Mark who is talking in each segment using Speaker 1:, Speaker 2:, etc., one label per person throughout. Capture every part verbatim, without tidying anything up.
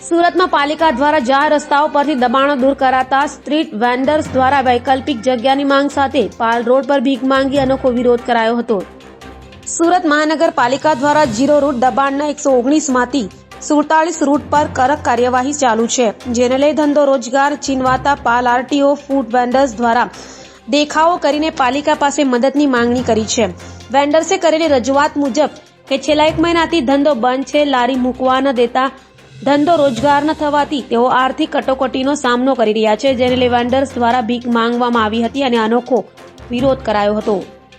Speaker 1: સુરતમાં પાલિકા દ્વારા જાહેર રસ્તાઓ પરથી દબાણો દૂર કરાતા સ્ટ્રીટ વેન્ડર્સ દ્વારા વૈકલ્પિક જગ્યાની માંગ સાથે પાલ રોડ પર ભીખ માંગી અનોખો વિરોધ કરાયો હતો। સુરત મહાનગરપાલિકા દ્વારા જીરો રૂટ દબાણના એકસો ઓગણીસ માંથી સુડતાલીસ રૂટ પર કડક કાર્યવાહી ચાલુ છે, જેને લઈ ધંધો રોજગાર છીનવાતા પાલ આરટીઓ ફૂડ વેન્ડર્સ દ્વારા દેખાવો કરીને પાલિકા પાસે મદદની માંગણી કરી છે। વેન્ડર્સે કરેલી રજૂઆત મુજબ કે છેલ્લા એક મહિનાથી ધંધો બંધ છે, લારી મૂકવા ન દેતા ધંધો રોજગાર ન થવાથી તેઓ આર્થિક કટોકટીનો સામનો કરી રહ્યા છે, જેને લઈ વેન્ડર્સ દ્વારા ભીખ માંગવામાં આવી હતી અને અનોખો વિરોધ કરાયો હતો।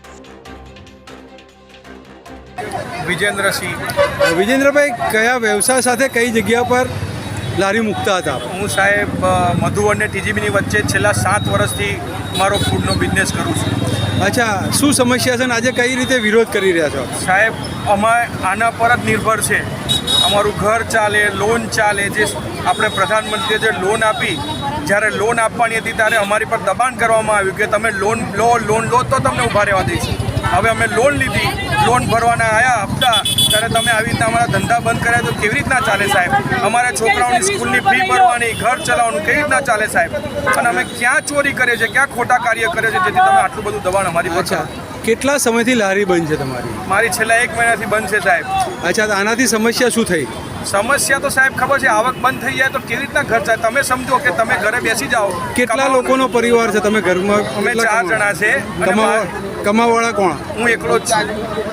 Speaker 2: વિજેન્દ્રસિંહ
Speaker 3: વિજેન્દ્રભાઈ, કયા વ્યવસાય સાથે કઈ જગ્યા પર લારી મૂકતા હતા?
Speaker 2: હું સાહેબ મધુવન ને ટીજીબીની વચ્ચે છેલ્લા સાત વર્ષથી મારો ફૂડનો બિઝનેસ કરું છું।
Speaker 3: અચ્છા, શું સમસ્યા છે અને આજે કઈ રીતે વિરોધ કરી રહ્યા છો?
Speaker 2: સાહેબ, અમે આના પર જ નિર્ભર છે, અમારું ઘર ચાલે, લોન ચાલે। જે આપણે પ્રધાનમંત્રીએ જે લોન આપી, જ્યારે લોન આપવાની હતી ત્યારે અમારી પર દબાણ કરવામાં આવ્યું કે તમે લોન લો લોન લો તો તમને ઊભા રહેવા દઈશું। હવે અમે લોન લીધી, લોન ભરવાના આવ્યા હપ્તા, ત્યારે તમે આવી રીતના અમારા ધંધા બંધ કર્યા તો કેવી રીતના ચાલે સાહેબ? અમારા છોકરાઓની સ્કૂલની ફી ભરવાની, ઘર ચલાવવાનું કેવી રીતના ચાલે સાહેબ? અને અમે ક્યાં ચોરી કરીએ છીએ, ક્યાં ખોટા કાર્ય કરીએ છીએ જેથી તમે આટલું બધું દબાણ અમારી પર
Speaker 3: અચ્છા, કેટલા સમયથી લારી બંધ છે તમારી?
Speaker 2: મારી છેલ્લા એક મહિનાથી બંધ છે સાહેબ।
Speaker 3: અચ્છા, તો આનાથી સમસ્યા શું થઈ?
Speaker 2: સમસ્યા તો સાહેબ ખબર છે, આવક બંધ થઈ જાય તો કેવી રીતના ઘર ચાલે? તમે સમજો કે તમે ઘરે બેસી જાઓ।
Speaker 3: કેટલા લોકોનો પરિવાર છે તમે ઘરમાં?
Speaker 2: અમે ચાર જણા છે।
Speaker 3: કમાવાળા કોણ?
Speaker 2: હું એકલો જ છું।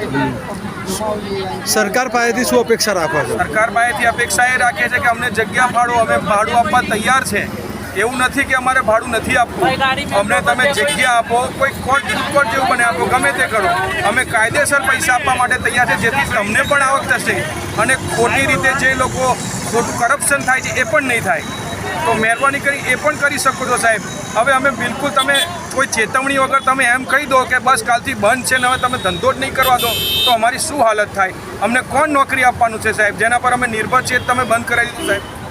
Speaker 3: સરકાર પાસેથી શું અપેક્ષા રાખો છો?
Speaker 2: સરકાર પાસેથી અપેક્ષા એ રાખે છે કે અમને જગ્યા ફાળો, અમે ભાડું આપવા તૈયાર છે। એવું નથી કે અમારે ભાડું નથી આપવું, અમને તમે જગ્યા આપો, કોઈ કોર્ટ કોર્ટ જેવું બને આપો, ગમે તે કરો, અમે કાયદેસર પૈસા આપવા માટે તૈયાર છે, જેથી તમને પણ આવક થશે અને ખોટી રીતે જે લોકો ખોટું કરપ્શન થાય છે એ પણ નહીં થાય। તો મહેરબાની કરી એ પણ કરી શકો છો સાહેબ। હવે અમે બિલકુલ, તમે કોઈ ચેતવણી વગર તમે એમ કહી દો કે બસ કાલથી બંધ છે ને હવે તમે ધંધો જ નહીં કરવા દો તો અમારી શું હાલત થાય? અમને કોણ નોકરી આપવાનું છે સાહેબ? જેના પર અમે નિર્ભર છીએ તમે બંધ કરાવી દીધું સાહેબ।